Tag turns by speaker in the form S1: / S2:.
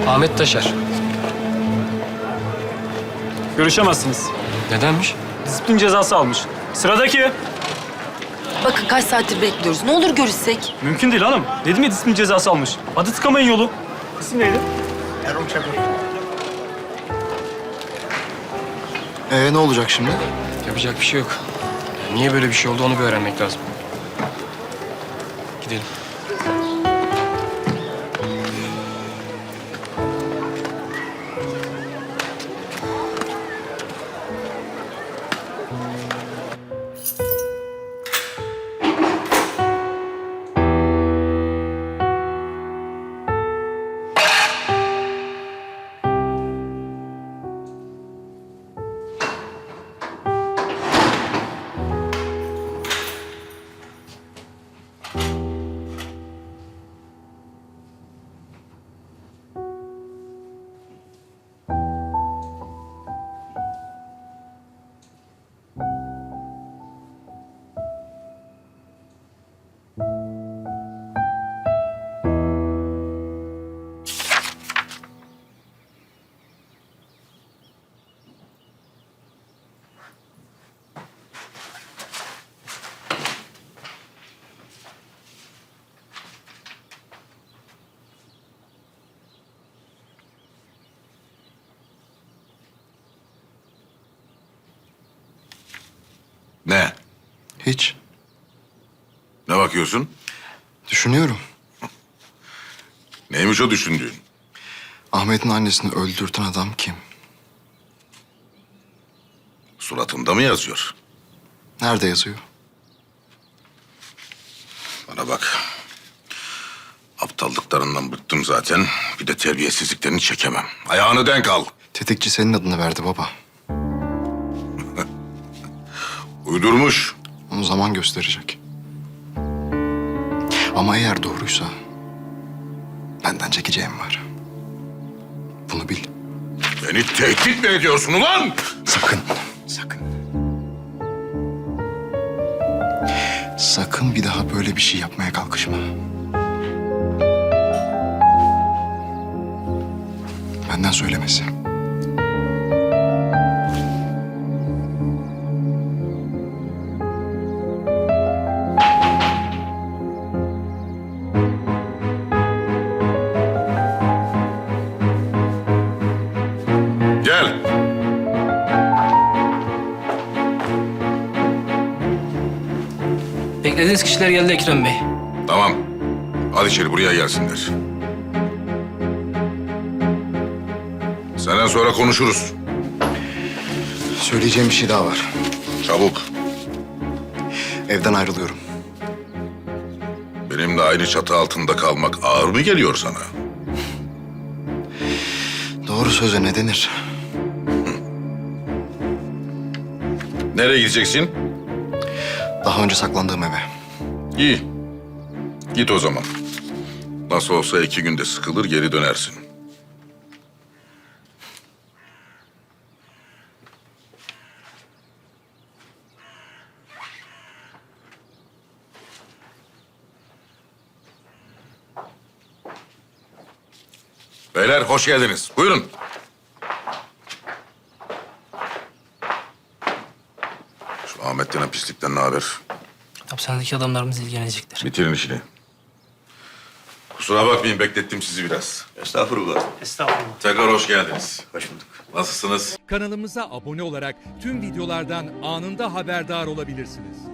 S1: Ahmet Taşer.
S2: Görüşemezsiniz.
S1: Nedenmiş?
S2: Disiplin cezası almış. Sıradaki.
S3: Bakın kaç saattir bekliyoruz. Ne olur görüşsek.
S2: Mümkün değil hanım. Dedim ya disiplin cezası almış. Hadi tıkamayın yolu. İsim neydi?
S4: Erol Çakır. Ne olacak şimdi?
S1: Yapacak bir şey yok. Yani niye böyle bir şey oldu onu bir öğrenmek lazım. Gidelim.
S5: Ne?
S4: Hiç.
S5: Ne bakıyorsun?
S4: Düşünüyorum.
S5: Neymiş o düşündüğün?
S4: Ahmet'in annesini öldürten adam kim?
S5: Suratında mı yazıyor?
S4: Nerede yazıyor?
S5: Bana bak. Aptallıklarından bıktım zaten. Bir de terbiyesizliklerini çekemem. Ayağını denk al.
S4: Tetikçi senin adını verdi baba.
S5: Uydurmuş.
S4: Onu zaman gösterecek. Ama eğer doğruysa benden çekeceğim var. Bunu bil.
S5: Beni tehdit mi ediyorsun ulan?
S4: Sakın, sakın. Sakın bir daha böyle bir şey yapmaya kalkışma. Benden söylemesi.
S5: Gel.
S6: Beklediğiniz kişiler geldi Ekrem Bey.
S5: Tamam. Hadi içeri buraya gelsinler. Senden sonra konuşuruz.
S4: Söyleyeceğim bir şey daha var.
S5: Çabuk.
S4: Evden ayrılıyorum.
S5: Benimle aynı çatı altında kalmak ağır mı geliyor sana?
S4: Doğru söze ne denir?
S5: Nereye gideceksin?
S4: Daha önce saklandığım eve.
S5: İyi. Git o zaman. Nasıl olsa 2 günde sıkılır geri dönersin. Beyler hoş geldiniz. Buyurun. Şu Ahmet denen pislikten ne haber?
S6: Hapishanedeki adamlarımız ilgilenecektir.
S5: Bitirin işini. Kusura bakmayın beklettim sizi biraz.
S7: Estağfurullah.
S6: Estağfurullah.
S5: Tekrar hoş geldiniz.
S7: Hoş bulduk.
S5: Nasılsınız?
S8: Kanalımıza abone olarak tüm videolardan anında haberdar olabilirsiniz.